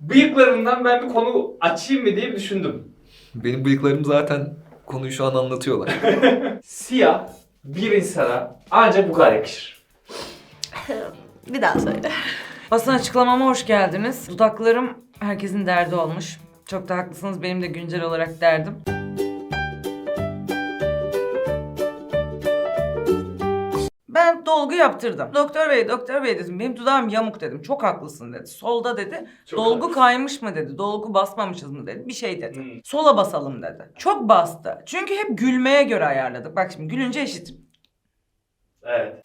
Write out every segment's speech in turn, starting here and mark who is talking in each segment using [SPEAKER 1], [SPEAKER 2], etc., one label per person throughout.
[SPEAKER 1] Bıyıklarından ben bir konu açayım mı diye düşündüm.
[SPEAKER 2] Benim bıyıklarım zaten konuyu şu an anlatıyorlar.
[SPEAKER 1] Siyah bir insana ancak bu kadar yakışır.
[SPEAKER 3] Bir daha söyle.
[SPEAKER 4] Basın açıklamama hoş geldiniz. Dudaklarım herkesin derdi olmuş. Çok da haklısınız, benim de güncel olarak derdim. Ben dolgu yaptırdım. Doktor bey dedim, benim dudağım yamuk dedim. Çok haklısın dedi. Solda dedi,
[SPEAKER 1] Çok
[SPEAKER 4] dolgu
[SPEAKER 1] haklısın.
[SPEAKER 4] kaymış mı dedi. Dolgu basmamışız mı dedi. Bir şey dedi.
[SPEAKER 1] Hmm.
[SPEAKER 4] Sola basalım dedi. Çok bastı. Çünkü hep gülmeye göre ayarladık. Bak şimdi gülünce eşit.
[SPEAKER 1] Evet.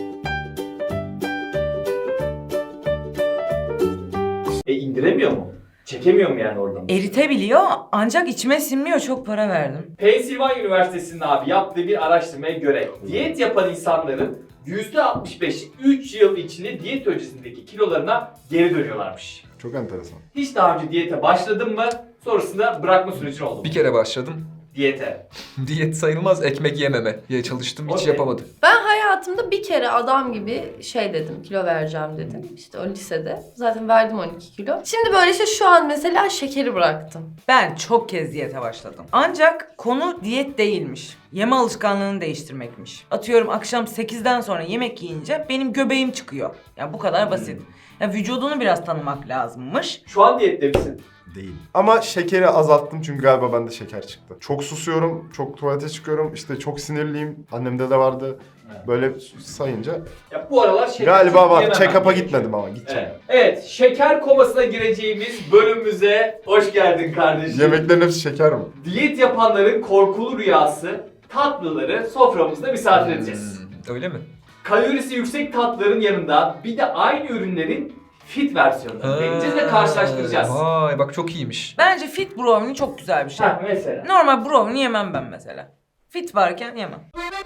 [SPEAKER 1] İndiremiyor mu? Çekemiyor mu yani oradan?
[SPEAKER 4] Eritebiliyor ancak içime sinmiyor. Çok para verdim.
[SPEAKER 1] Pennsylvania Üniversitesi'nin abi yaptığı bir araştırmaya göre diyet yapan insanların %65'i 3 yıl içinde diyet öncesindeki kilolarına geri dönüyorlarmış.
[SPEAKER 5] Çok enteresan.
[SPEAKER 1] Hiç daha önce diyete başladın mı? Sonrasında bırakma sürecin oldu mu?
[SPEAKER 2] Bir kere başladım.
[SPEAKER 1] Diyete.
[SPEAKER 2] Diyet sayılmaz, ekmek yememe diye çalıştım, hiç
[SPEAKER 1] Okey.
[SPEAKER 2] yapamadım.
[SPEAKER 3] Ben hayatımda bir kere adam gibi şey dedim, kilo vereceğim dedim. İşte o lisede. Zaten verdim 12 kilo. Şimdi böyle işte şu an mesela şekeri bıraktım.
[SPEAKER 4] Ben çok kez diyete başladım. Ancak konu diyet değilmiş. Yeme alışkanlığını değiştirmekmiş. Atıyorum akşam 8'den sonra yemek yiyince benim göbeğim çıkıyor. Ya bu kadar basit. Ya vücudunu biraz tanımak lazımmış.
[SPEAKER 1] Şu an diyette misin?
[SPEAKER 5] Değil. Ama şekeri azalttım çünkü galiba bende şeker çıktı. Çok susuyorum, çok tuvalete çıkıyorum, işte çok sinirliyim. Annemde de vardı.
[SPEAKER 1] Evet.
[SPEAKER 5] Böyle sayınca.
[SPEAKER 1] Ya bu aralar şeker
[SPEAKER 5] Galiba
[SPEAKER 1] çok
[SPEAKER 5] var.
[SPEAKER 1] yememem
[SPEAKER 5] Check-up'a
[SPEAKER 1] gerekiyor.
[SPEAKER 5] gitmedim ama gideceğim.
[SPEAKER 1] Evet. Evet, şeker komasına gireceğimiz bölümümüze hoş geldin kardeşim.
[SPEAKER 5] Yemeklerin hepsi şeker mi?
[SPEAKER 1] Diyet yapanların korkulu rüyası tatlıları soframızda misafir edeceğiz.
[SPEAKER 2] Öyle mi?
[SPEAKER 1] Kalorisi yüksek tatlıların yanında bir de aynı ürünlerin fit versiyonlarını deneyeceğiz ve karşılaştıracağız.
[SPEAKER 2] Vay bak çok iyiymiş.
[SPEAKER 4] Bence fit brownie çok güzel bir şey.
[SPEAKER 1] Ha, mesela.
[SPEAKER 4] Normal brownie yemem ben mesela. Fit varken yemem.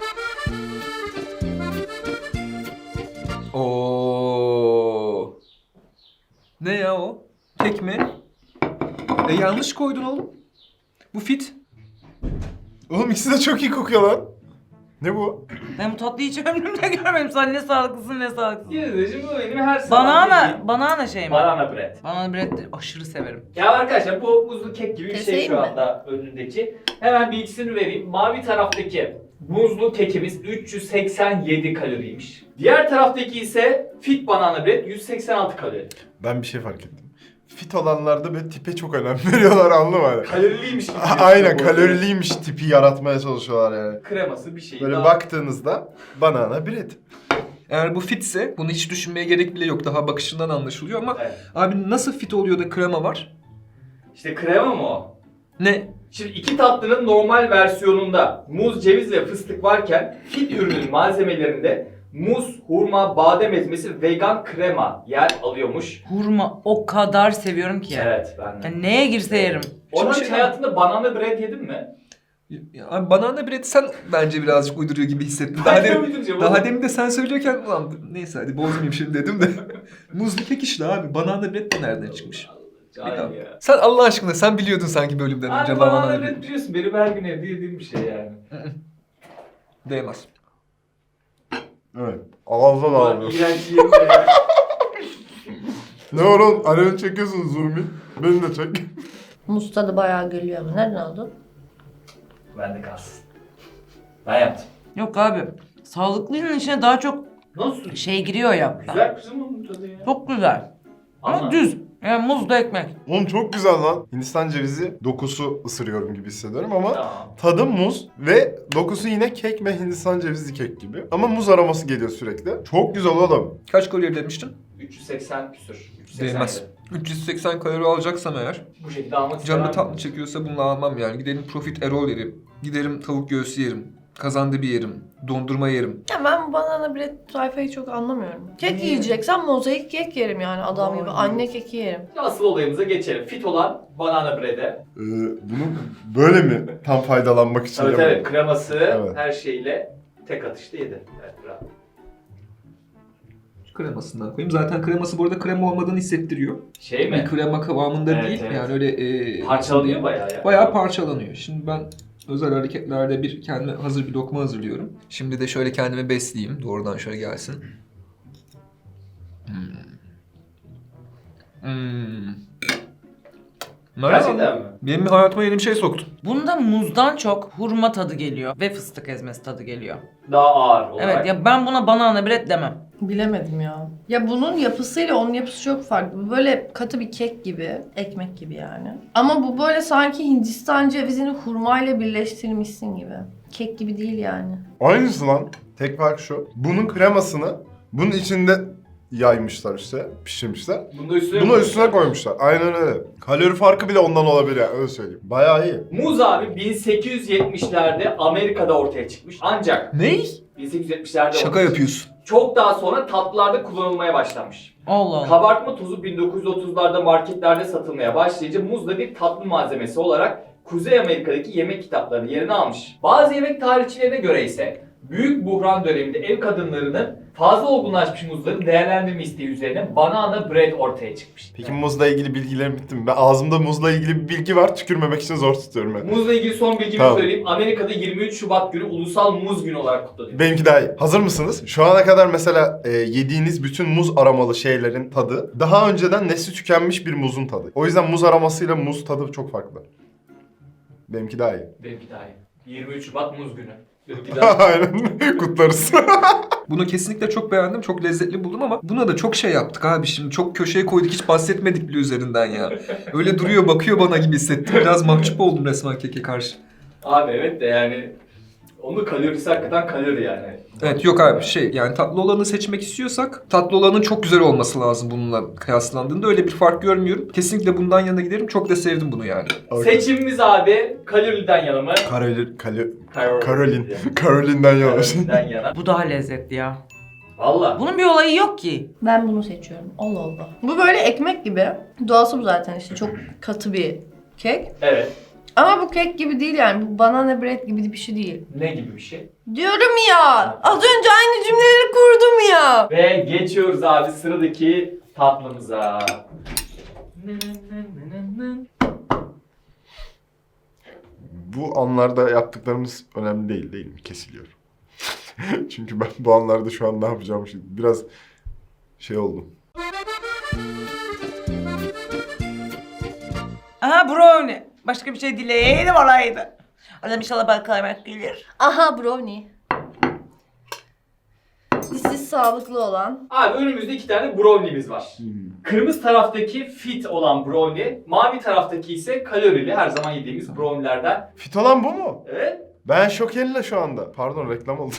[SPEAKER 2] Oo. Ne ya o? Kek mi? Yanlış koydun oğlum. Bu fit.
[SPEAKER 5] Oğlum ikisi de çok iyi kokuyor lan. Ne bu?
[SPEAKER 4] Ben bu tatlıyı hiç ömrümde görmedim. Sen ne sağlıklısın ne sağlıklısın.
[SPEAKER 1] Yine bu benim her zaman
[SPEAKER 4] Banana şey mi?
[SPEAKER 1] banana bread.
[SPEAKER 4] Banana bread de aşırı severim.
[SPEAKER 1] Ya arkadaşlar bu muzlu kek gibi bir şey
[SPEAKER 3] Keseyim
[SPEAKER 1] şu
[SPEAKER 3] mi?
[SPEAKER 1] anda önündeki. Hemen bilgisini vereyim. Mavi taraftaki muzlu kekimiz 387 kaloriymiş. Diğer taraftaki ise fit banana bread 186 kalori.
[SPEAKER 5] Ben bir şey fark ettim. Fit olanlarda böyle tipe çok önem veriyorlar, anladın mı?
[SPEAKER 1] Kaloriliymiş gibi.
[SPEAKER 5] Aynen,
[SPEAKER 1] gözüküyor bu arada.
[SPEAKER 5] kaloriliymiş tipi yaratmaya çalışıyorlar yani.
[SPEAKER 1] Kreması bir şey
[SPEAKER 5] Böyle
[SPEAKER 1] daha.
[SPEAKER 5] baktığınızda banana bread.
[SPEAKER 2] Eğer bu fitse bunu hiç düşünmeye gerek bile yok. Daha bakışından anlaşılıyor ama
[SPEAKER 1] Evet.
[SPEAKER 2] abi nasıl fit oluyor da krema var?
[SPEAKER 1] İşte krema mı o?
[SPEAKER 2] Ne?
[SPEAKER 1] Şimdi iki tatlının normal versiyonunda muz, ceviz ve fıstık varken fit ürünün malzemelerinde muz, hurma, badem ezmesi, vegan krema yer alıyormuş.
[SPEAKER 4] Hurma o kadar seviyorum ki.
[SPEAKER 1] Evet ben de.
[SPEAKER 4] Yani neye girse yerim.
[SPEAKER 1] Orhan
[SPEAKER 2] Şimdi
[SPEAKER 1] hiç
[SPEAKER 2] şey-
[SPEAKER 1] hayatında banana bread yedin mi?
[SPEAKER 2] Ya abi banana bread sen bence birazcık uyduruyor gibi hissettim.
[SPEAKER 1] Ben de uyduracağım oğlum.
[SPEAKER 2] Daha demin de sen söylüyorken ulan neyse hadi bozmayayım şimdi dedim de. Muzlu kek işte abi. Banana bread de nereden çıkmış?
[SPEAKER 1] Cahil ya.
[SPEAKER 2] Sen Allah aşkına sen biliyordun sanki bölümden önce
[SPEAKER 1] Abi
[SPEAKER 2] banana
[SPEAKER 1] banana
[SPEAKER 2] bread.
[SPEAKER 1] bread biliyorsun benim her gün evde yediğim bir şey yani.
[SPEAKER 2] Değmez.
[SPEAKER 5] Evet. Ağızda
[SPEAKER 1] Ulan
[SPEAKER 5] dağılıyor.
[SPEAKER 1] iğrenç yerim ya.
[SPEAKER 5] Ne var oğlum? Alevini çekiyorsun Zumi. Beni de çek.
[SPEAKER 3] Muz tadı bayağı geliyor ama nereden aldın?
[SPEAKER 1] Bende kalsın. Ben yaptım.
[SPEAKER 4] Yok abi. Sağlıklının içine daha çok
[SPEAKER 1] Nasıl?
[SPEAKER 4] şey giriyor ya.
[SPEAKER 1] Güzel kızım onun tadı ya.
[SPEAKER 4] Çok güzel. Ama
[SPEAKER 1] Ama-
[SPEAKER 4] düz. Yani muzlu ekmek.
[SPEAKER 5] Oğlum çok güzel lan. Hindistan cevizi dokusu ısırıyorum gibi hissediyorum ama
[SPEAKER 1] Tamam.
[SPEAKER 5] tadı muz ve dokusu yine kek ve Hindistan cevizi kek gibi. Ama muz aroması geliyor sürekli. Çok güzel oğlum.
[SPEAKER 2] Kaç kalori demiştin?
[SPEAKER 1] 380 küsür. 380
[SPEAKER 2] Değmez. 380 kalori alacaksam eğer,
[SPEAKER 1] Bu şekilde almak istemem.
[SPEAKER 2] canlı tatlı çekiyorsa bunu almam yani. Giderim profit erol yerim. Giderim tavuk göğsü yerim. Kazandibi yerim. Dondurma yerim.
[SPEAKER 3] Ya ben banana bread tayfayı çok anlamıyorum. Kek
[SPEAKER 1] Niye?
[SPEAKER 3] yiyeceksem mozaik kek yerim yani adam gibi.
[SPEAKER 1] Ay.
[SPEAKER 3] Anne keki yerim.
[SPEAKER 1] Asıl olayımıza geçelim. Fit olan banana bread'e.
[SPEAKER 5] Bunu böyle mi tam faydalanmak için
[SPEAKER 1] Evet
[SPEAKER 5] yapalım?
[SPEAKER 1] evet kreması
[SPEAKER 5] Evet.
[SPEAKER 1] her şeyle tek atışta yedi. Evet bravo.
[SPEAKER 2] Kremasından koyayım. Zaten kreması bu arada krema olmadığını hissettiriyor.
[SPEAKER 1] Şey
[SPEAKER 2] Bir
[SPEAKER 1] mi?
[SPEAKER 2] krema kıvamında
[SPEAKER 1] Evet,
[SPEAKER 2] değil.
[SPEAKER 1] evet.
[SPEAKER 2] Yani öyle
[SPEAKER 1] Parçalanıyor bayağı ya.
[SPEAKER 2] Bayağı parçalanıyor. Şimdi ben özel hareketlerde bir kendime hazır bir lokma hazırlıyorum. Şimdi de şöyle kendimi besleyeyim. Doğrudan şöyle gelsin.
[SPEAKER 1] Gerçekten mi?
[SPEAKER 2] Benim hayatıma yeni bir şey soktun.
[SPEAKER 4] Bunda muzdan çok hurma tadı geliyor ve fıstık ezmesi tadı geliyor.
[SPEAKER 1] Daha ağır olarak.
[SPEAKER 4] Evet ya ben buna banana bread demem.
[SPEAKER 3] Bilemedim ya. Ya bunun yapısıyla onun yapısı çok farklı. Bu böyle katı bir kek gibi, ekmek gibi yani. Ama bu böyle sanki Hindistan cevizini hurmayla birleştirmişsin gibi. Kek gibi değil yani.
[SPEAKER 5] Aynısı lan. Tek fark şu. Bunun kremasını bunun içinde yaymışlar işte, pişirmişler. Bunu üstüne koymuşlar. Aynen öyle. Kalori farkı bile ondan olabilir yani, öyle söyleyeyim. Bayağı iyi.
[SPEAKER 1] Muz abi 1870'lerde Amerika'da ortaya çıkmış. Ancak
[SPEAKER 2] Ney?
[SPEAKER 1] 1870'lerde
[SPEAKER 2] Şaka
[SPEAKER 1] ortaya
[SPEAKER 2] yapıyorsun.
[SPEAKER 1] çok daha sonra tatlılarda kullanılmaya başlanmış.
[SPEAKER 4] Allah Allah.
[SPEAKER 1] Kabartma tozu 1930'larda marketlerde satılmaya başlayınca muz da bir tatlı malzemesi olarak Kuzey Amerika'daki yemek kitaplarının yerini almış. Bazı yemek tarihçilerine göre ise büyük buhran döneminde ev kadınlarının fazla olgunlaşmış muzları değerlendirme isteği üzerine banana bread ortaya çıkmış.
[SPEAKER 5] Peki muzla ilgili bilgilerim bitti mi? Ben ağzımda muzla ilgili bir bilgi var, tükürmemek için zor tutuyorum ben.
[SPEAKER 1] Muzla ilgili son bilgimi
[SPEAKER 5] Tamam.
[SPEAKER 1] söyleyeyim. Amerika'da 23 Şubat günü Ulusal Muz Günü olarak kutlanıyor.
[SPEAKER 5] Benimki daha iyi. Hazır mısınız? Şu ana kadar mesela yediğiniz bütün muz aromalı şeylerin tadı daha önceden nesli tükenmiş bir muzun tadı. O yüzden muz aromasıyla muz tadı çok farklı. Benimki daha iyi.
[SPEAKER 1] Benimki daha iyi. 23 Şubat Muz Günü. Benimki daha iyi.
[SPEAKER 5] Aynen. Kutlarız.
[SPEAKER 2] Bunu kesinlikle çok beğendim, çok lezzetli buldum ama buna da çok şey yaptık abi şimdi. Çok köşeye koyduk, hiç bahsetmedik bile üzerinden ya. Öyle duruyor, bakıyor bana gibi hissettim. Biraz mahcup oldum resmen keke karşı.
[SPEAKER 1] Abi evet de yani onun kalorisi hakikaten kalori yani.
[SPEAKER 2] Evet yok abi yani tatlı olanı seçmek istiyorsak tatlı olanın çok güzel olması lazım bununla kıyaslandığında. Öyle bir fark görmüyorum. Kesinlikle bundan yana giderim. Çok da sevdim bunu yani.
[SPEAKER 1] Seçimimiz abi kaloriden yana mı?
[SPEAKER 5] Karolin'den yavaş.
[SPEAKER 1] Kaloriden yana.
[SPEAKER 4] Bu daha lezzetli ya.
[SPEAKER 1] Valla.
[SPEAKER 4] Bunun bir olayı yok ki.
[SPEAKER 3] Ben bunu seçiyorum. Allah Allah. Bu böyle ekmek gibi. Doğası bu zaten işte çok katı bir kek.
[SPEAKER 1] Evet.
[SPEAKER 3] Ama bu kek gibi değil yani. Bu banana bread gibi bir şey değil.
[SPEAKER 1] Ne gibi bir şey?
[SPEAKER 3] Diyorum ya. Az önce aynı cümleleri kurdum ya.
[SPEAKER 1] Ve geçiyoruz abi sıradaki tatlımıza.
[SPEAKER 5] Bu anlarda yaptıklarımız önemli değil mi? Kesiliyor. Çünkü ben bu anlarda şu an ne yapacağım şimdi biraz şey oldum.
[SPEAKER 4] Aha brownie. Başka bir şey dileyelim olaydı. Adam inşallah bal kaymak gelir.
[SPEAKER 3] Aha brownie. Dişsiz sağlıklı olan.
[SPEAKER 1] Abi önümüzde 2 tane brownie'miz var. Kırmızı taraftaki fit olan brownie, mavi taraftaki ise kalorili her zaman yediğimiz brownie'lerden.
[SPEAKER 5] Fit olan bu mu?
[SPEAKER 1] Evet.
[SPEAKER 5] Ben şokella şu anda. Pardon reklam oldu.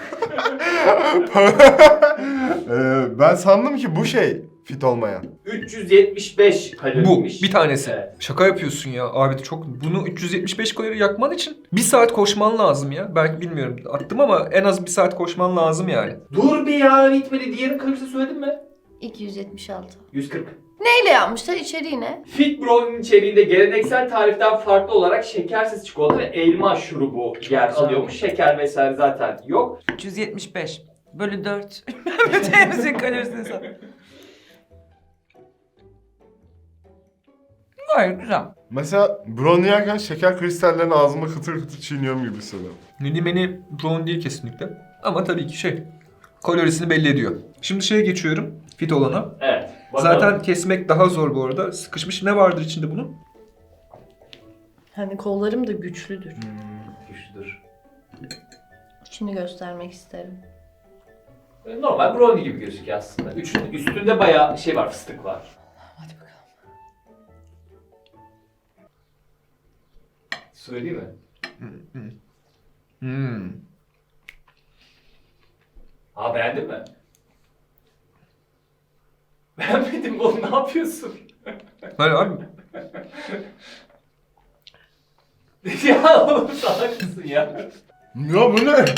[SPEAKER 5] Ben sandım ki bu şey fit olmayan.
[SPEAKER 1] 375
[SPEAKER 2] Bu
[SPEAKER 1] kaloriymiş.
[SPEAKER 2] bir tanesi.
[SPEAKER 1] Evet.
[SPEAKER 2] Şaka yapıyorsun ya abi, çok bunu 375 kalori yakman için 1 saat koşman lazım ya. Belki bilmiyorum attım ama en az 1 saat koşman lazım yani.
[SPEAKER 1] Dur bir ya bitmedi. Diğerin kalorisini söyledin mi?
[SPEAKER 3] 276.
[SPEAKER 1] 140.
[SPEAKER 3] Neyle yapmışlar? İçeriği ne?
[SPEAKER 1] Fit brownie'nin içeriğinde geleneksel tariften farklı olarak şekersiz çikolata ve elma şurubu yer alıyormuş. Şeker vesaire zaten yok.
[SPEAKER 4] 375 bölü 4. Bütçemizin kalorisini sor. Gayet güzel.
[SPEAKER 5] Mesela brownie yerken şeker kristallerini ağzıma kıtır kıtır çiğniyorum gibi hissediyorum.
[SPEAKER 2] Mini brownie değil kesinlikle. Ama tabii ki kalorisini belli ediyor. Şimdi geçiyorum fit olana.
[SPEAKER 1] Evet. Bakalım.
[SPEAKER 2] Zaten kesmek daha zor bu arada. Sıkışmış ne vardır içinde bunun?
[SPEAKER 3] Hani kollarım da güçlüdür.
[SPEAKER 1] Güçlüdür.
[SPEAKER 3] İçini göstermek isterim.
[SPEAKER 1] Normal brownie gibi gözüküyor aslında. Üstünde bayağı şey var, fıstık var.
[SPEAKER 4] Hadi bakalım.
[SPEAKER 1] Söyleyeyim mi? Aa beğendin mi? Beğenmedim oğlum, ne yapıyorsun?
[SPEAKER 2] Hayır abi.
[SPEAKER 1] Ya oğlum salak mısın ya?
[SPEAKER 5] Ya bu ne?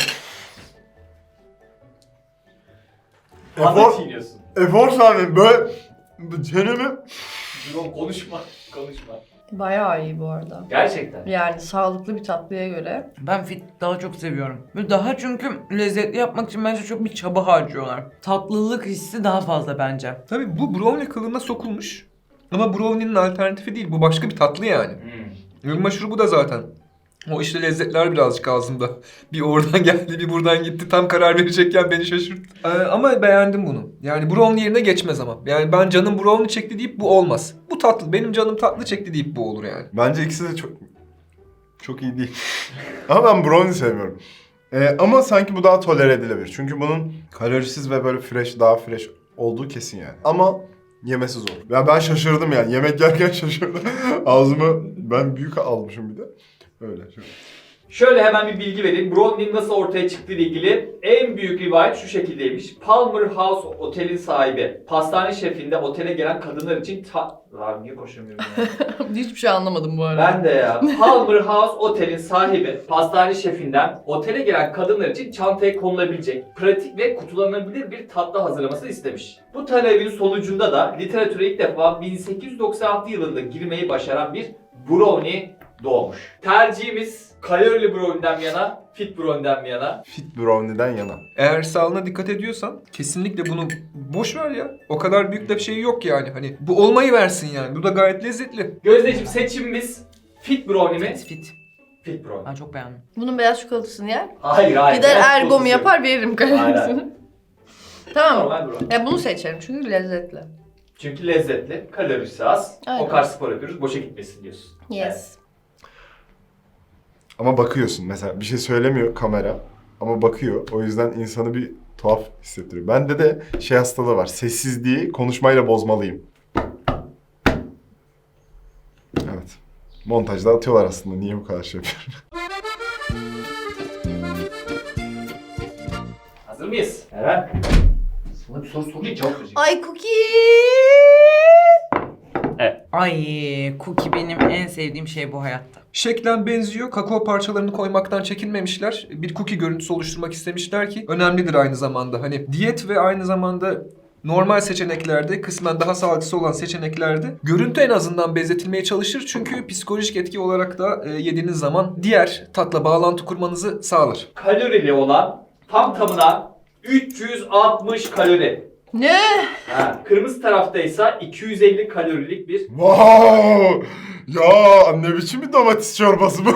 [SPEAKER 1] Fazla çiğniyorsun.
[SPEAKER 5] Efor sahne böyle çenemi...
[SPEAKER 1] Dur oğlum konuşma.
[SPEAKER 3] Bayağı iyi bu arada.
[SPEAKER 1] Gerçekten.
[SPEAKER 3] Yani sağlıklı bir tatlıya göre.
[SPEAKER 4] Ben fit daha çok seviyorum. Ve daha çünkü lezzetli yapmak için bence çok bir çaba harcıyorlar. Tatlılık hissi daha fazla bence.
[SPEAKER 2] Tabii bu brownie kılığına sokulmuş. Ama brownie'nin alternatifi değil. Bu başka bir tatlı yani. Elma şurubu da zaten O işte lezzetler birazcık ağzımda. Bir oradan geldi, bir buradan gitti. Tam karar verecekken beni şaşırttı. Ama beğendim bunu. Yani brownie yerine geçmez ama. Yani ben canım brownie çekti deyip bu olmaz. Bu tatlı. Benim canım tatlı çekti deyip bu olur yani.
[SPEAKER 5] Bence ikisi de çok iyi değil. Ama ben brownie sevmiyorum. Ama sanki bu daha tolere edilebilir. Çünkü bunun kalorisiz ve böyle fresh, daha fresh olduğu kesin yani. Ama yemesi zor. Ya ben şaşırdım yani. Yemek yerken şaşırdım. Ağzıma ben büyük almışım bir de. Öyle.
[SPEAKER 1] Şöyle hemen bir bilgi vereyim. Brownie'nin nasıl ortaya çıktığı ile ilgili en büyük rivayet şu şekildeymiş. Palmer House otelin sahibi, pastane şefinde otele gelen kadınlar için Lan niye koşamıyorum ya?
[SPEAKER 3] Hiçbir şey anlamadım bu arada.
[SPEAKER 1] Ben de ya. Palmer House otelin sahibi, pastane şefinden otele gelen kadınlar için çantaya konulabilecek, pratik ve kutulanabilir bir tatlı hazırlamasını istemiş. Bu talebin sonucunda da literatüre ilk defa 1896 yılında girmeyi başaran bir brownie doğmuş. Tercihimiz kalorili brownie'den mi yana, fit brownie'den mi yana?
[SPEAKER 5] Fit brownie'den yana.
[SPEAKER 2] Eğer sağlığına dikkat ediyorsan kesinlikle bunu boş ver ya. O kadar büyük de bir şey yok yani. Hani bu olmayı versin yani. Bu da gayet lezzetli.
[SPEAKER 1] Gözdeciğim seçimimiz fit brownie mi?
[SPEAKER 4] Fit.
[SPEAKER 1] Fit brownie.
[SPEAKER 4] Ben çok beğendim.
[SPEAKER 3] Bunun beyaz çikolatasını yer.
[SPEAKER 1] Hayır.
[SPEAKER 3] Gider
[SPEAKER 1] Beyaz
[SPEAKER 3] ergomu
[SPEAKER 1] çikolatası
[SPEAKER 3] yapar veririm kalorisini.
[SPEAKER 1] Aynen.
[SPEAKER 3] Tamam.
[SPEAKER 1] Normal brownie.
[SPEAKER 3] Bunu seçerim çünkü lezzetli.
[SPEAKER 1] Çünkü lezzetli, kalorisi az.
[SPEAKER 3] Aynen.
[SPEAKER 1] O kadar spor yapıyoruz, boşa gitmesin diyorsun.
[SPEAKER 3] Yes.
[SPEAKER 5] Ama bakıyorsun mesela bir şey söylemiyor kamera. Ama bakıyor. O yüzden insanı bir tuhaf hissettiriyor. Bende de şey hastalığı var. Sessizliği konuşmayla bozmalıyım. Evet. Montajda atıyorlar aslında. Niye bu kadar şey yapıyorum?
[SPEAKER 1] Hazır mıyız? Eren. Sana bir soru sorayım, cevap vereceğim.
[SPEAKER 3] Ay cookie.
[SPEAKER 4] Ay cookie benim en sevdiğim şey bu hayatta.
[SPEAKER 2] Şeklen benziyor. Kakao parçalarını koymaktan çekinmemişler. Bir cookie görüntüsü oluşturmak istemişler ki önemlidir aynı zamanda. Hani diyet ve aynı zamanda normal seçeneklerde, kısmen daha sağlıklısı olan seçeneklerde görüntü en azından benzetilmeye çalışır. Çünkü psikolojik etki olarak da yediğiniz zaman diğer tatla bağlantı kurmanızı sağlar.
[SPEAKER 1] Kalorili olan tam tamına 360 kalori.
[SPEAKER 3] Ne?
[SPEAKER 1] Kırmızı taraftaysa 250 kalorilik bir
[SPEAKER 5] Wow! Ya ne biçim bir domates çorbası bu?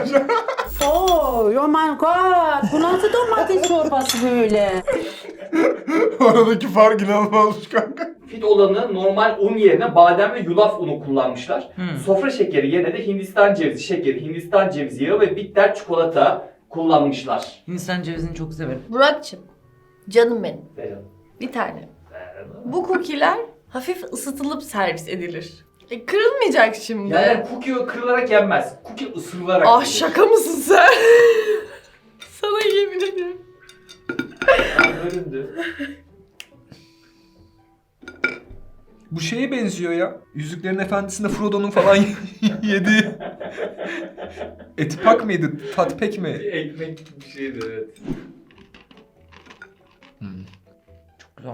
[SPEAKER 6] Oh my god. Bu nasıl domates çorbası böyle?
[SPEAKER 5] Aradaki fark inanılmazmış kanka.
[SPEAKER 1] fit olanı normal un yerine badem ve yulaf unu kullanmışlar. Sofra şekeri yerine de Hindistan cevizi şekeri, Hindistan cevizi yağı ve bitter çikolata kullanmışlar.
[SPEAKER 4] Hindistan cevizini çok severim.
[SPEAKER 3] Burak'cığım. Canım benim.
[SPEAKER 1] Beğendim.
[SPEAKER 3] Bir tane. Bu cookie'ler hafif ısıtılıp servis edilir. Kırılmayacak şimdi.
[SPEAKER 1] Yani cookie kırılarak yenmez. Cookie ısırılarak
[SPEAKER 3] Ah
[SPEAKER 1] yenir.
[SPEAKER 3] şaka mısın sen? Sana yemin ederim.
[SPEAKER 1] Bölündü.
[SPEAKER 2] Bu şeye benziyor ya. Yüzüklerin Efendisi'nde Frodo'nun falan yediği etipak mıydı? Tatpek mi?
[SPEAKER 1] Bir ekmek gibi bir şeydi evet.
[SPEAKER 4] Çok güzel.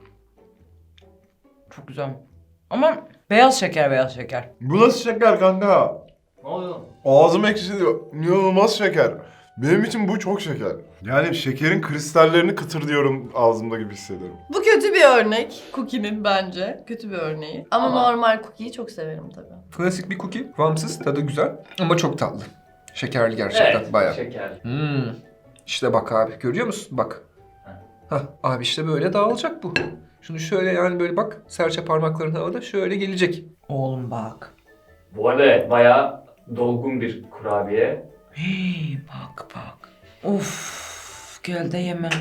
[SPEAKER 4] Çok güzel. Ama beyaz şeker.
[SPEAKER 5] Bu nasıl şeker kanka?
[SPEAKER 1] Ne oluyor lan?
[SPEAKER 5] Ağzım ekşiyor. İnanılmaz şeker. Benim için bu çok şeker. Yani şekerin kristallerini kıtırdıyorum ağzımda gibi hissediyorum.
[SPEAKER 3] Bu kötü bir örnek. Cookie'nin bence. Kötü bir örneği. Ama normal cookie'yi çok severim tabii.
[SPEAKER 2] Klasik bir cookie. Kıvamsız, tadı güzel ama çok tatlı. Şekerli gerçekten
[SPEAKER 1] Evet,
[SPEAKER 2] bayağı.
[SPEAKER 1] şeker.
[SPEAKER 2] İşte bak abi, görüyor musun? Bak. Hah abi işte böyle dağılacak bu. Şunu şöyle yani böyle bak, serçe parmakların havada şöyle gelecek.
[SPEAKER 4] Oğlum bak.
[SPEAKER 1] Bu arada evet, bayağı dolgun bir kurabiye.
[SPEAKER 4] Hey, bak. Of, gel de yeme.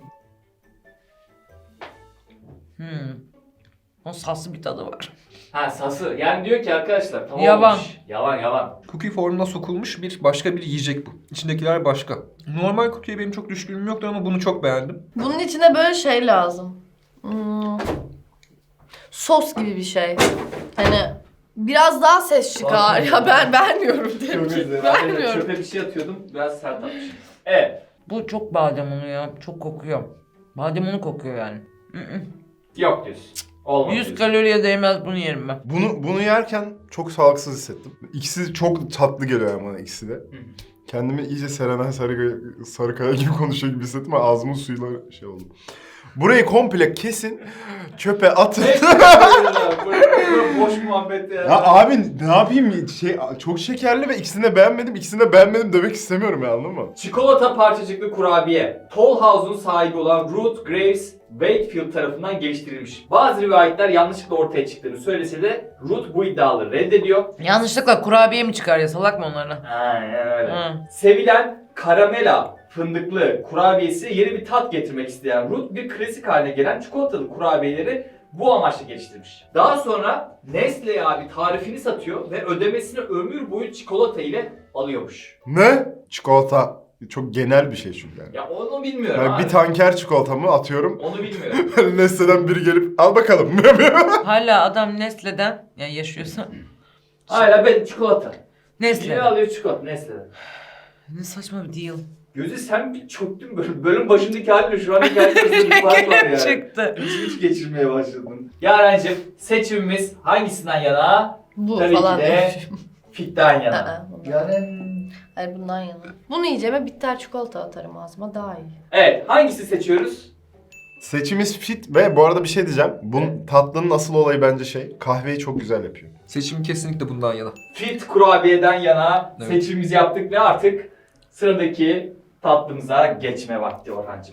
[SPEAKER 4] O saslı bir tadı var.
[SPEAKER 1] Sası. Yani diyor ki arkadaşlar tamam
[SPEAKER 4] Yavan.
[SPEAKER 1] olmuş. Yavan.
[SPEAKER 2] Cookie formuna sokulmuş başka bir yiyecek bu. İçindekiler başka. Normal cookie'ye benim çok düşkünlüğüm yoktu ama bunu çok beğendim.
[SPEAKER 3] Bunun içine böyle şey lazım. Sos gibi bir şey. Hani biraz daha ses çıkar.
[SPEAKER 1] Sos
[SPEAKER 3] Ya
[SPEAKER 1] mu?
[SPEAKER 3] ben vermiyorum
[SPEAKER 1] Çok
[SPEAKER 3] tepki.
[SPEAKER 1] özür dilerim. Ben de
[SPEAKER 3] Vermiyorum.
[SPEAKER 1] çöpe bir şey atıyordum. Biraz sert atmışım. Evet.
[SPEAKER 4] Bu çok badem unu ya. Çok kokuyor. Badem unu kokuyor yani.
[SPEAKER 1] Yok diyorsun. Olmaz
[SPEAKER 4] 100
[SPEAKER 1] diyorsun.
[SPEAKER 4] kaloriye değmez bunu yerim ben.
[SPEAKER 5] Bunu yerken çok sağlıksız hissettim. İkisi çok tatlı geliyor yani bana ikisi de. Kendimi iyice Serenay Sarıkaya gibi konuşuyor gibi hissettim ama ağzımın suyuyla şey oldu. Burayı komple kesin, çöpe atın.
[SPEAKER 1] Boş muhabbet ya.
[SPEAKER 5] Ya abi ne yapayım? Çok şekerli ve ikisini de beğenmedim demek istemiyorum ya, anladın mı?
[SPEAKER 1] Çikolata parçacıklı kurabiye, Toll House'un sahibi olan Ruth Graves Wakefield tarafından geliştirilmiş. Bazı rivayetler yanlışlıkla ortaya çıktığını söylese de Ruth bu iddiaları reddediyor.
[SPEAKER 4] Yanlışlıkla kurabiye mi çıkar ya, salak mı onlarına?
[SPEAKER 1] Aynen öyle.
[SPEAKER 4] Hı.
[SPEAKER 1] Sevilen karamela fındıklı kurabiyesi yeni bir tat getirmek isteyen Ruth bir klasik haline gelen çikolatalı kurabiyeleri bu amaçla geliştirmiş. Daha sonra Nestle abi tarifini satıyor ve ödemesini ömür boyu çikolata ile alıyormuş.
[SPEAKER 5] Ne? Çikolata. Çok genel bir şey çünkü yani.
[SPEAKER 1] Ya onu bilmiyorum
[SPEAKER 5] Yani
[SPEAKER 1] abi.
[SPEAKER 5] bir tanker çikolatamı atıyorum.
[SPEAKER 1] Onu bilmiyorum.
[SPEAKER 5] Nestle'den biri gelip al bakalım.
[SPEAKER 4] Hala adam Nestle'den, yani yaşıyorsa.
[SPEAKER 1] Hala ben çikolata. Biri
[SPEAKER 4] Nestle.
[SPEAKER 1] alıyor çikolata Nestle'den.
[SPEAKER 4] Ne saçma bir deal.
[SPEAKER 1] Gözü sen bir çöktün böyle. Bölüm başındaki halinle şu anki halin arasında bir fark var yani.
[SPEAKER 4] Çıktı.
[SPEAKER 1] İç geçirmeye başladın. Yarencim seçimimiz hangisinden yana?
[SPEAKER 3] Bu
[SPEAKER 1] Tabii
[SPEAKER 3] falan
[SPEAKER 1] ki de
[SPEAKER 3] demişim.
[SPEAKER 1] Fit'ten yana.
[SPEAKER 3] Aa, bundan.
[SPEAKER 1] Yaren.
[SPEAKER 3] Hayır bundan yana. Bunu yiyeceğime bitter çikolata atarım ağzıma daha iyi.
[SPEAKER 1] Evet, hangisi seçiyoruz?
[SPEAKER 5] Seçimiz fit ve bu arada bir şey diyeceğim. Bunun tatlının asıl olayı bence kahveyi çok güzel yapıyor.
[SPEAKER 2] Seçim kesinlikle bundan yana.
[SPEAKER 1] Fit kurabiyeden yana
[SPEAKER 2] Evet.
[SPEAKER 1] seçimimizi yaptık ve artık sıradaki tatlımıza geçme vakti Orhancığım.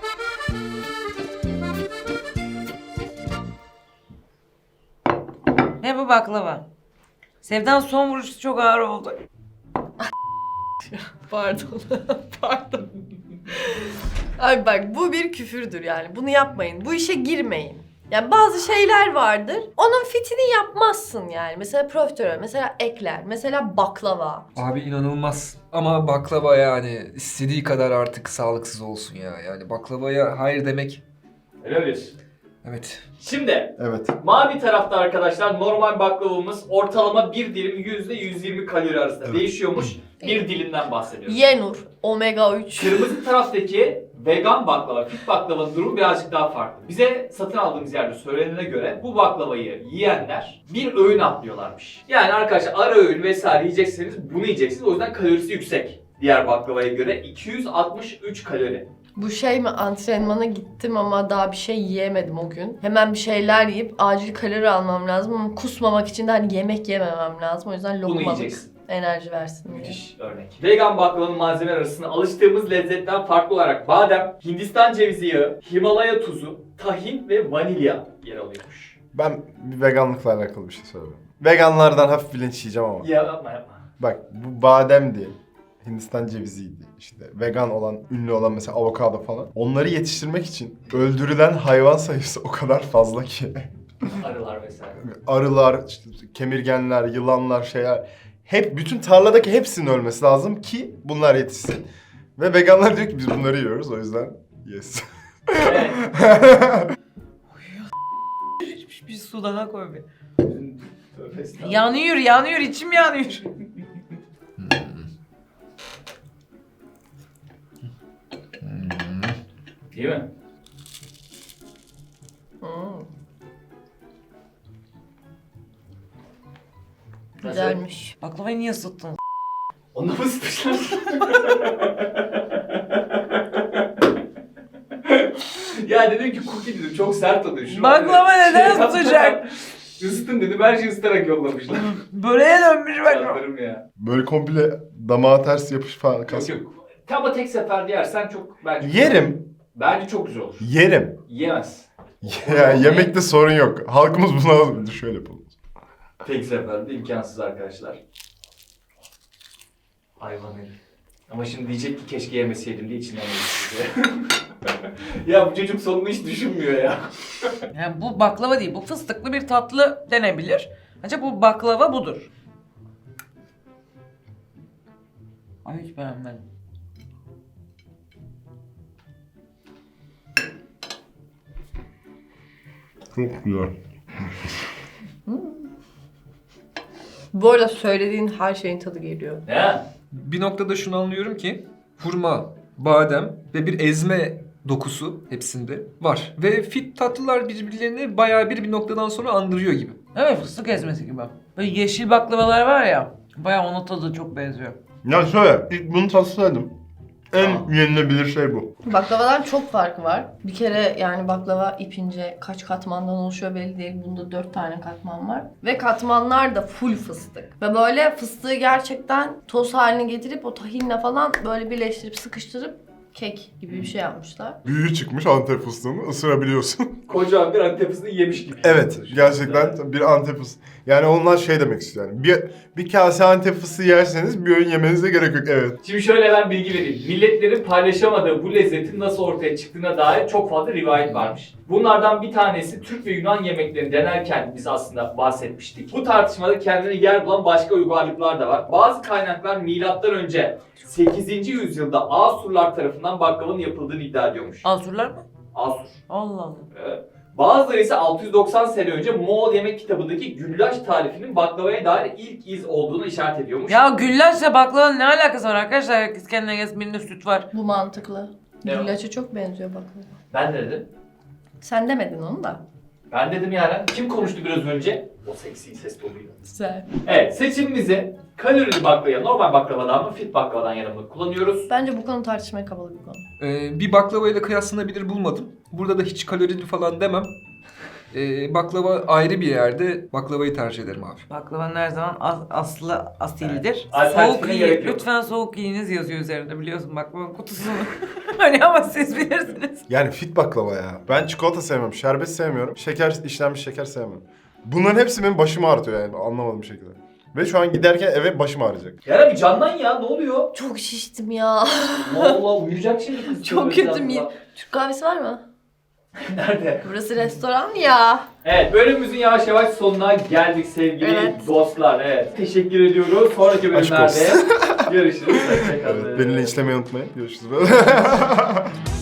[SPEAKER 4] Ne bu baklava? Sevdan son vuruşu çok ağır oldu.
[SPEAKER 3] Pardon. Pardon. Abi bak bu bir küfürdür yani. Bunu yapmayın. Bu işe girmeyin. Yani bazı şeyler vardır. Onun fitini yapmazsın yani. Mesela profiterol, mesela ekler, mesela baklava.
[SPEAKER 2] Abi inanılmaz. Ama baklava yani istediği kadar artık sağlıksız olsun ya. Yani baklavaya hayır demek.
[SPEAKER 1] Öyle mi diyorsun?
[SPEAKER 2] Evet.
[SPEAKER 1] Şimdi
[SPEAKER 5] Evet.
[SPEAKER 1] mavi tarafta arkadaşlar normal baklavamız ortalama bir dilim %120 kalori arasında
[SPEAKER 5] Evet.
[SPEAKER 1] değişiyormuş. Bir dilimden bahsediyoruz.
[SPEAKER 3] Yenur, omega 3.
[SPEAKER 1] Kırmızı taraftaki vegan baklava, fit baklavanın durumu birazcık daha farklı. Bize satın aldığımız yerde söylenene göre bu baklavayı yiyenler bir öğün atlıyorlarmış. Yani arkadaşlar ara öğün vesaire yiyecekseniz bunu yiyeceksiniz. O yüzden kalorisi yüksek. Diğer baklavaya göre 263 kalori.
[SPEAKER 3] Bu şey mi, antrenmana gittim ama daha bir şey yiyemedim o gün. Hemen bir şeyler yiyip acil kalori almam lazım ama kusmamak için de hani yemek yememem lazım. O yüzden
[SPEAKER 1] Bunu
[SPEAKER 3] lokmalık
[SPEAKER 1] yiyeceksin.
[SPEAKER 3] enerji versin diye.
[SPEAKER 1] Müthiş örnek. Vegan baklavanın malzemeler arasında alıştığımız lezzetten farklı olarak badem, Hindistan cevizi yağı, Himalaya tuzu, tahin ve vanilya yer alıyormuş.
[SPEAKER 5] Ben bir veganlıkla alakalı bir şey söyleyeyim. Veganlardan hafif bilinç yiyeceğim ama.
[SPEAKER 1] Ya yapma yapma.
[SPEAKER 5] Bak bu bademdi. Hindistan ceviziydi işte. Vegan olan, ünlü olan mesela avokado falan. Onları yetiştirmek için öldürülen hayvan sayısı o kadar fazla ki.
[SPEAKER 1] Arılar vesaire.
[SPEAKER 5] Arılar, işte kemirgenler, yılanlar, şeyler. Hep bütün tarladaki hepsinin ölmesi lazım ki bunlar yetişsin. Ve veganlar diyor ki biz bunları yiyoruz o yüzden yes.
[SPEAKER 1] Evet.
[SPEAKER 4] Bir su daha koy bir.
[SPEAKER 1] Tövbe estağfurullah.
[SPEAKER 4] Yanıyor, içim yanıyor.
[SPEAKER 1] Değil mi?
[SPEAKER 3] Hmm,
[SPEAKER 1] Nasıl?
[SPEAKER 3] güzelmiş.
[SPEAKER 4] Baklavayı niye ısıttın?
[SPEAKER 1] Onda mı sıkmışlar? Ya dedim ki cookie dedim çok sert oluyor. Şunu
[SPEAKER 4] Baklava
[SPEAKER 1] hani
[SPEAKER 4] neden
[SPEAKER 1] yaptılar,
[SPEAKER 4] sıcak?
[SPEAKER 1] Isıtın dedim her şeyi ısıtarak yollamışlar.
[SPEAKER 4] Böreğe dönmüş baklava.
[SPEAKER 1] Canlarım ya.
[SPEAKER 5] Böyle komple damağa ters yapış falan
[SPEAKER 1] Yok
[SPEAKER 5] kas.
[SPEAKER 1] yok. Ama tek seferde yersen çok bence...
[SPEAKER 5] Yerim.
[SPEAKER 1] Bence çok güzel olur.
[SPEAKER 5] Yerim.
[SPEAKER 1] Yiyemez.
[SPEAKER 5] Ya yemekte sorun yok. Halkımız bunu alır. Şöyle yapalım.
[SPEAKER 1] Tek seferde imkansız arkadaşlar. Hayvan herif. Ama şimdi diyecek ki keşke yemeseydim diye içinden geçti. Ya bu çocuk sonunu hiç düşünmüyor ya.
[SPEAKER 4] Yani bu baklava değil, bu fıstıklı bir tatlı denebilir. Ancak bu baklava budur. Ay hiç beğenmedim.
[SPEAKER 5] Çok güzel.
[SPEAKER 3] Bu arada söylediğin her şeyin tadı geliyor.
[SPEAKER 1] Ne?
[SPEAKER 2] Bir noktada şunu anlıyorum ki hurma, badem ve bir ezme dokusu hepsinde var. Ve fit tatlılar birbirlerini bayağı bir noktadan sonra andırıyor gibi.
[SPEAKER 4] Evet, fıstık ezmesi gibi. Böyle yeşil baklavalar var ya, bayağı ona tadı çok benziyor.
[SPEAKER 5] Ya şöyle ilk bunu tatsaydım En yenilebilir şey bu.
[SPEAKER 3] Baklavadan çok farkı var. Bir kere yani baklava ipince kaç katmandan oluşuyor belli değil. Bunda 4 tane katman var. Ve katmanlar da full fıstık. Ve böyle fıstığı gerçekten toz haline getirip o tahinle falan böyle birleştirip sıkıştırıp kek gibi bir şey yapmışlar.
[SPEAKER 5] Büyüğü çıkmış Antep fıstığını ısırabiliyorsun.
[SPEAKER 1] Kocaman bir Antep fıstığı yemiş gibi.
[SPEAKER 5] Evet, gerçekten bir Antep fıstığı. Yani onlar şey demek istiyor yani. Bir kase Antep fıstığı yerseniz bir öğün yemenize gerek yok. Evet.
[SPEAKER 1] Şimdi şöyle ben bilgi vereyim. Milletlerin paylaşamadığı bu lezzetin nasıl ortaya çıktığına dair çok fazla rivayet varmış. Bunlardan bir tanesi Türk ve Yunan yemeklerini denerken biz aslında bahsetmiştik. Bu tartışmada kendine yer bulan başka uygarlıklar da var. Bazı kaynaklar MÖ 8. yüzyılda Asurlar tarafından baklavanın yapıldığını iddia ediyormuş.
[SPEAKER 4] Ansurlar mı?
[SPEAKER 1] Asur.
[SPEAKER 4] Allah Allah.
[SPEAKER 1] Evet. Bazıları ise 690 sene önce Moğol yemek kitabındaki güllaç tarifinin baklavaya dair ilk iz olduğunu işaret ediyormuş.
[SPEAKER 4] Ya güllaçla baklavanın ne alakası var arkadaşlar? Herkes kendine gelsin, birinde süt var.
[SPEAKER 3] Bu mantıklı.
[SPEAKER 1] Ne o?
[SPEAKER 3] Güllaç'a çok benziyor baklava.
[SPEAKER 1] Ben de dedim.
[SPEAKER 3] Sen demedin onu da.
[SPEAKER 1] Ben dedim yani. Kim konuştu biraz önce? O seksi ses tonuyla.
[SPEAKER 3] Güzel.
[SPEAKER 1] Evet, seçimimizi kalorili baklavaya, normal baklavadan mı, fit baklavadan yana mı kullanıyoruz?
[SPEAKER 3] Bence bu konu tartışmaya kapalı bir konu.
[SPEAKER 2] Bir baklava ile kıyaslanabilir bulmadım. Burada da hiç kalorili falan demem. Baklava ayrı bir yerde, baklavayı tercih ederim abi.
[SPEAKER 4] Baklavanın her zaman aslı asildir.
[SPEAKER 1] Evet. Alternatifine
[SPEAKER 4] Soğuk yiyin.
[SPEAKER 1] gerek yok.
[SPEAKER 4] Lütfen soğuk yiyiniz yazıyor üzerinde, biliyorsun baklavanın kutusunu. Hani ama siz bilirsiniz.
[SPEAKER 5] Yani fit baklava ya. Ben çikolata sevmiyorum, şerbet sevmiyorum, işlenmiş şeker sevmiyorum. Bunların hepsi benim başımı ağrıtıyor yani anlamadığım bir şekilde. Ve şu an giderken eve başım ağrıyacak.
[SPEAKER 1] Ya bir candan ya, ne oluyor?
[SPEAKER 3] Çok şiştim ya.
[SPEAKER 1] Allah uyuyacak şimdi kız.
[SPEAKER 3] Çok kötüyüm ya. Türk kahvesi var mı?
[SPEAKER 1] Nerede?
[SPEAKER 3] Burası restoran ya.
[SPEAKER 1] Evet, bölümümüzün yavaş yavaş sonuna geldik sevgili
[SPEAKER 3] Evet.
[SPEAKER 1] dostlar. Evet, teşekkür ediyoruz. Sonraki
[SPEAKER 5] Aşk
[SPEAKER 1] bölümlerde
[SPEAKER 5] olsun.
[SPEAKER 1] görüşürüz. Hoşçakalın.
[SPEAKER 5] Evet, beni linçlemeyi unutmayın. Görüşürüz.